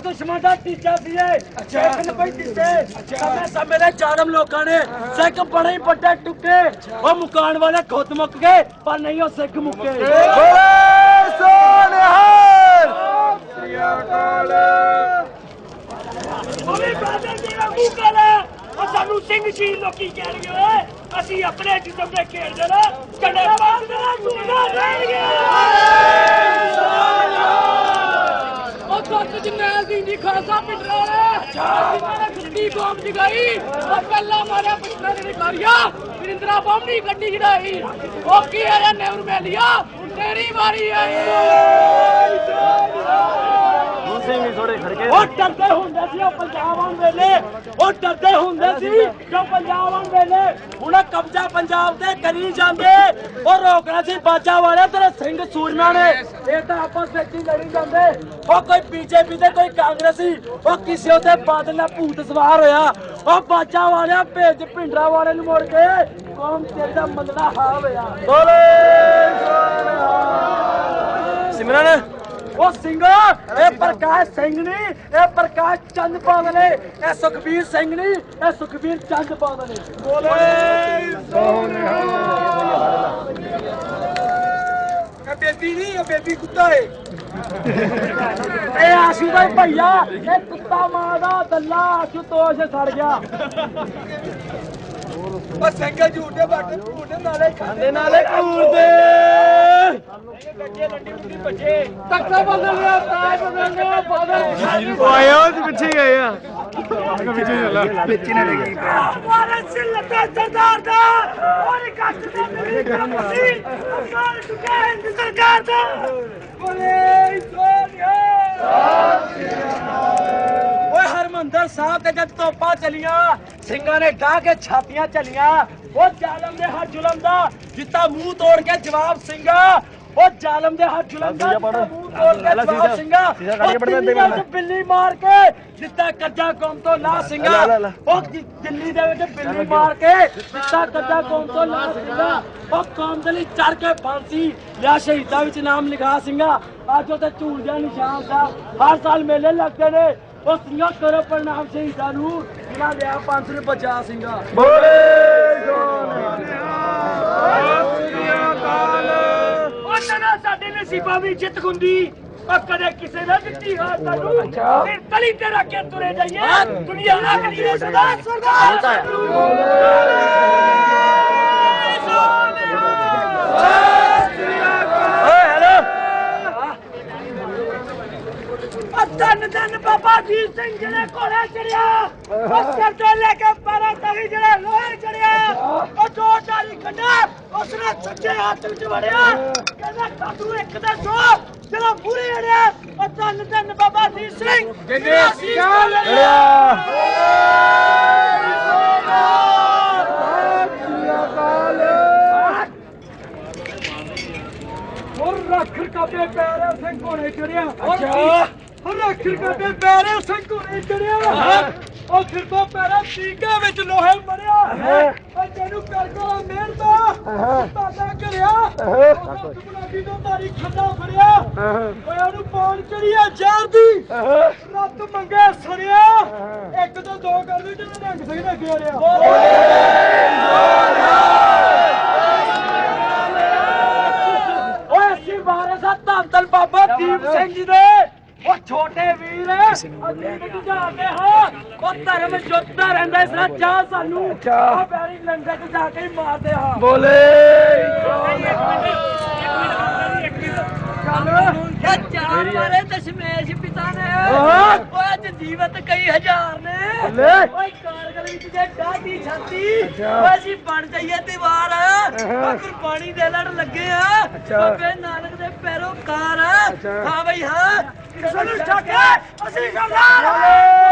ਦੁਸ਼ਮਣ ਦਾ ਤੀਜਾ ਸੀ ਸਿੱਖ ਕੋਈ ਦਿੱਤੇ ਸਮੇਂ ਦੇ ਜਾਲਮ ਲੋਕਾਂ ਨੇ ਸਿੱਖ ਬੜੇ ਹੀ ਵੱਡੇ ਟੁੱਕੇ ਉਹ ਮੁਕਾਣ ਵਾਲੇ ਖੁਦ ਮੁੱਕ ਗਏ ਪਰ ਨਹੀਂ ਉਹ ਸਿੱਖ ਮੁੱਕੇ ਸਾਨੂੰ ਸਿੰਘ ਜੀ ਲੋਕੀ ਕਹਿਣਗੇ ਅਸੀਂ ਆਪਣੇ ਜਿਸਮ ਦੇ ਖੇਡਦੇ ਨਾ ਕਦੇ ਬਾਦ ਨਾ ਸੁਣਨਾ ਰਹਿਣਗੇ ਉਹ ਸੱਚ ਜਨੈਲ ਦੀ ਨਹੀਂ ਖਾਸਾ ਪਿੰਡਰਾ ਜਿਨ੍ਹਾਂ ਨੇ ਖੁੱਡੀ ਬੋਮ ਜਗਾਈ ਉਹ ਪਹਿਲਾਂ ਮਾਰਿਆ ਪੁੱਛਣਾ ਦੇ ਕਾਰਿਆ ਵਿਰਿੰਦਰਾ ਬੰਮੀ ਗੱਡੀ ਛਡਾਈ ਉਹ ਕੀ ਆਇਆ ਨੇਵਰ ਮੈਲੀਆ ਤੇਰੀ ਵਾਰੀ ਆਈ ਉਹ ਡਰਦੇ ਹੁੰਦੇ ਸੀ ਉਹ ਪੰਜਾਬ ਆਉਣ ਵੇਲੇ ਉਹ ਡਰਦੇ ਹੁੰਦੇ ਸੀ ਜੋ ਪੰਜਾਬ ਆਉਣ ਵੇਲੇ ਹੁਣ ਕਬਜ਼ਾ ਪੰਜਾਬ ਤੇ ਕਰੀ ਜਾਂਦੇ ਉਹ ਰੋਕਣਾ ਸੀ ਬਾਜਾ ਵਾਲੇ ਤੇਰੇ ਸਿੰਘ ਸੂਰਮਿਆਂ ਨੇ ਇਹ ਤਾਂ ਆਪਸ ਵਿੱਚ ਹੀ ਲੜੀ ਜਾਂਦੇ ਉਹ ਕੋਈ ਬੀਜੇਪੀ ਤੇ ਕੋਈ ਕਾਂਗਰਸੀ ਉਹ ਕਿਸੇ ਉਹਦੇ ਬਾਦਲ ਨਾਲ ਭੂਤ ਸਵਾਰ ਹੋਇਆ ਉਹ ਬਾਜਾ ਵਾਲਿਆ ਭੇਜ ਭਿੰਡਰਾ ਵਾਲੇ ਨੂੰ ਮੁੜ ਕੇ ਕੌਮ ਤੇਰੇ ਦਾ ਮੰਦੜਾ ਹਾਲ ਹੋਇਆ ਬੋਲੇ ਸਿਮਰਨ ਉਹ ਸਿੰਘ ਇਹ ਪ੍ਰਕਾਸ਼ ਸਿੰਘ ਨਹੀਂ ਇਹ ਪ੍ਰਕਾਸ਼ ਚੰਦ ਬਾਦਲੇ ਇਹ ਸੁਖਬੀਰ ਸਿੰਘ ਨਹੀਂ ਇਹ ਸੁਖਬੀਰ ਚੰਦ ਬਾਦਲੇ ਬੋਲੇ ਸੋਨਿਹਾ ਇਹ ਬੇਬੀ ਨਹੀਂ ਇਹ ਬੇਬੀ ਕੁੱਤਾ ਏ ਇਹ ਆਸ਼ੂ ਦਾ ਭਈਆ ਇਹ ਕੁੱਤਾ ਮਾਂ ਦਾ ਦੱਲਾ ਆਸ਼ੂ ਤੋਸ਼ ਸੜ ਗਿਆ ਉਹ ਸਿੰਘ ਝੂਠੇ ਬਾਟੇ ਝੂਠੇ ਨਾਲੇ ਖਾਂਦੇ ਨਾਲੇ ਕੂਰਦੇ ਗੱਜੇ ਲੰਡੀ ਉੱਡੀ ਭੱਜੇ ਤੱਕਾ ਬਦਲ ਰਿਹਾ ਤਾਜ ਬਦਲ ਰਿਹਾ ਬਾਦਲ ਉਹ ਆਇਆ ਉਹ ਪਿੱਛੇ ਗਏ ਆ ਪਿੱਛੇ ਚੱਲਾ ਪਿੱਛੇ ਨਾ ਲੱਗੀ ਮਾਰੇ ਸਿਲਤਾ ਸਰਦਾਰ ਦਾ ਔਰ ਕੱਟ ਦਾ ਮੇਰੀ ਕਮਸੀ ਅਕਾਲ ਚੁੱਕਾ ਹੈ ਸਰਕਾਰ ਦਾ ਬੋਲੇ ਸੋਨਿਆ ਓਏ ਹਰਮੰਦਰ ਸਾਹਿਬ ਤੇ ਜਦ ਤੋਪਾਂ ਚਲੀਆਂ ਸਿੰਘਾਂ ਨੇ ਢਾਹ ਕੇ ਛਾਤੀਆਂ ਚਲੀਆਂ ਉਹ ਜ਼ਾਲਮ ਦੇ ਹੱਥ ਜ਼ੁਲਮ ਦਾ ਜਿੱਤਾ ਮੂੰਹ ਤੋੜ ਕੇ ਜਵਾਬ ਸਿੰਘਾ ਉਹ ਜ਼ਾਲਮ ਦੇ ਹੱਥ ਜ਼ੁਲਮ ਦਾ ਮੂੰਹ ਤੋੜ ਕੇ ਜਵਾਬ ਸਿੰਘਾ ਉਹ ਬਿੱਲੀ ਮਾਰ ਕੇ ਜਿੱਤਾ ਕੱਜਾ ਕੌਮ ਤੋਂ ਲਾ ਸਿੰਘਾ ਉਹ ਦਿੱਲੀ ਦੇ ਵਿੱਚ ਬਿੱਲੀ ਮਾਰ ਕੇ ਜਿੱਤਾ ਕੱਜਾ ਕੌਮ ਤੋਂ ਲਾ ਸਿੰਘਾ ਉਹ ਕੌਮ ਦੇ ਲਈ ਚੜ ਕੇ ਫਾਂਸੀ ਲਿਆ ਸ਼ਹੀਦਾਂ ਵਿੱਚ ਨਾਮ ਲਿਖਾ ਸਿੰਘਾ ਅੱਜ ਉਹ ਤੇ ਝੂਲ ਜਾ ਨਿਸ਼ਾਨ ਸਾਹਿਬ ਹਰ ਸਾਲ ਮੇਲੇ ਲੱਗਦੇ ਨੇ ਉਹ ਸਿੰਘਾਂ ਕਰੋ ਪ੍ਰਣਾਮ ਸ਼ਹੀਦਾਂ ਨੂੰ ਜਿਨ੍ਹਾਂ ਦੇ ਆ ਪੰਥ ਨੂੰ ਬਚਾ ਸਿੰਘਾਂ ਬੋਲੇ ਉਹਨਾਂ ਸਾਡੇ ਨਸੀਬਾਂ ਵੀ ਜਿੱਤ ਹੁੰਦੀ ਉਹ ਕਦੇ ਕਿਸੇ ਨੇ ਦਿੱਤੀ ਹਾਰ ਸਾਨੂੰ ਫਿਰ ਤਲੀ ਤੇ ਰੱਖ ਕੇ ਤੁਰੇ ਜਾਈਏ ਦੁਨੀਆ ਅਗਲੀ ਨੇ ਸਰਦਾਰ ਸਰਦਾਰ ਧੰਨ ਧੰਨ ਬਾਬਾ ਜੀ ਸਿੰਘ ਜਿਹੜੇ ਘੋੜੇ ਚੜਿਆ ਉਹ ਸਿਰ ਤੋਂ ਲੈ ਕੇ ਪੈਰਾਂ ਤੱਕ ਜਿਹੜਾ ਲੋਹੇ ਚੜਿਆ ਉਹ ਦੋ ਚਾਲੀ ਕੱਢਾ ਉਸਨੇ ਸੱਜੇ ਹੱਥ ਵਿੱਚ ਵੜਿਆ ਕਹਿੰਦਾ ਕਾਟੂ ਇੱਕ ਦਾ ਸੋ ਜਿਹੜਾ ਪੂਰੇ ਅੜਿਆ ਉਹ ਧੰਨ ਧੰਨ ਬਾਬਾ ਜੀ ਸਿੰਘ ਜਿਹਨੇ ਅਸੀਂ ਲੜਿਆ ਹੋਰ ਰੱਖਰ ਕਾਬੇ ਪੈਰਾਂ ਸਿੰਘ ਘੋੜੇ ਚੜਿਆ ਅੱਛਾ ਰੱਖਰ ਕਾਬੇ ਪੈਰਾਂ ਸਿੰਘ ਘੋੜੇ ਚੜਿਆ ਉਹ ਸਿਰ ਤੋਂ ਪੈਰਾਂ ਟੀਕੇ ਵਿੱਚ ਲੋਹੇ ਮਰਿਆ ਉਹ ਤੈਨੂੰ ਕਰਕਾ ਮਿਹਰਦਾ ਤਾਦਾ ਕਰਿਆ ਉਹ ਗੁਲਾਬੀ ਤੋਂ ਮਾਰੀ ਖੱਡਾ ਫੜਿਆ ਓਏ ਉਹਨੂੰ ਪੌਣ ਚੜੀਆ ਜ਼ਹਿਰ ਦੀ ਰੱਤ ਮੰਗੇ ਸੜਿਆ ਇੱਕ ਤੋਂ ਦੋ ਕਰ ਦੇ ਜਿਹਨੇ ਰੰਗ ਸਿੰਘ ਨੇ ਘੇਰਿਆ ਓਏ ਅਸੀਂ ਵਾਰਿਸ ਆ ਧੰਨ ਬਾਬਾ ਦੀਪ ਸਿੰਘ ਜੀ ਦੇ ਉਹ ਛੋਟੇ ਵੀਰ ਅਸੀਂ ਬੁਝਾਉਂਦੇ ਹਾਂ ਉਹ ਧਰਮ ਜੁੱਤਦਾ ਰਹਿੰਦਾ ਇਸ ਨਾਲ ਚਾਹ ਸਾਨੂੰ ਉਹ ਬੈਰੀ ਲੰਗਰ ਚ ਜਾ ਕੇ ਮਾਰਦੇ ਹਾਂ ਬੋਲੇ ਚਾਰ ਮਾਰੇ ਦਸ਼ਮੇਸ਼ ਪਿਤਾ ਨੇ ਉਹ ਅੱਜ ਜੀਵਤ ਕਈ ਹਜ਼ਾਰ ਨੇ ਓਏ ਕਾਰਗਲ ਵਿੱਚ ਜੇ ਡਾਢੀ ਛਾਤੀ ਓਏ ਅਸੀਂ ਬਣ ਜਾਈਏ ਦੀਵਾਰ ਕੁਰਬਾਨੀ ਦੇ ਲੜ ਲੱਗੇ ਆ ਬਾਬੇ ਨਾਨਕ ਦੇ ਪੈਰੋਕਾਰ ਹਾਂ ਬਈ ਹਾਂ ਸਾਨੂੰ ਛੱਡ ਅਸੀਂ ਸਰਦਾਰ